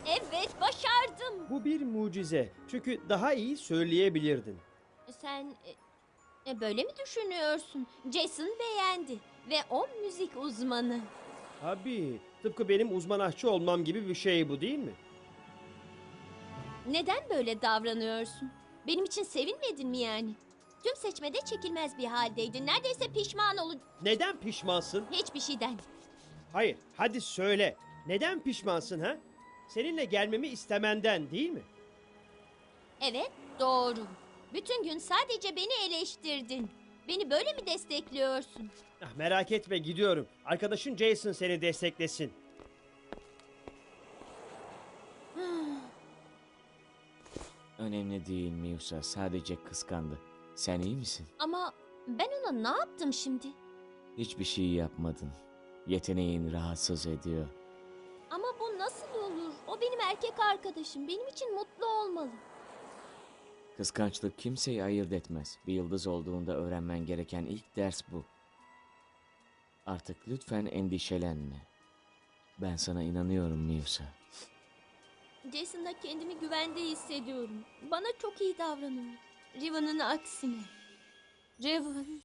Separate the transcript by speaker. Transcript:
Speaker 1: Evet, başardım.
Speaker 2: Bu bir mucize. Çünkü daha iyi söyleyebilirdin.
Speaker 1: Sen böyle mi düşünüyorsun? Jason beğendi ve o müzik uzmanı.
Speaker 2: Tabii. Tıpkı benim uzman aşçı olmam gibi bir şey bu, değil mi?
Speaker 1: Neden böyle davranıyorsun? Benim için sevinmedin mi yani? Tüm seçmede çekilmez bir haldeydin. Neredeyse pişman olun.
Speaker 2: Neden pişmansın?
Speaker 1: Hiçbir şeyden.
Speaker 2: Hayır, hadi söyle. Neden pişmansın ha? Seninle gelmemi istemenden, değil mi?
Speaker 1: Evet, doğru. Bütün gün sadece beni eleştirdin. Beni böyle mi destekliyorsun?
Speaker 2: Ah, merak etme, gidiyorum. Arkadaşın Jason seni desteklesin.
Speaker 3: Önemli değil Miusa, sadece kıskandı. Sen iyi misin?
Speaker 1: Ama ben ona ne yaptım şimdi?
Speaker 3: Hiçbir şey yapmadın. Yeteneğin rahatsız ediyor.
Speaker 1: Ama bu nasıl olur? O benim erkek arkadaşım. Benim için mutlu olmalı.
Speaker 3: Kıskançlık kimseyi ayırt etmez. Bir yıldız olduğunda öğrenmen gereken ilk ders bu. Artık lütfen endişelenme. Ben sana inanıyorum Miusa.
Speaker 1: Jason'la kendimi güvende hissediyorum. Bana çok iyi davranıyor. Riven'ın aksine. Riven.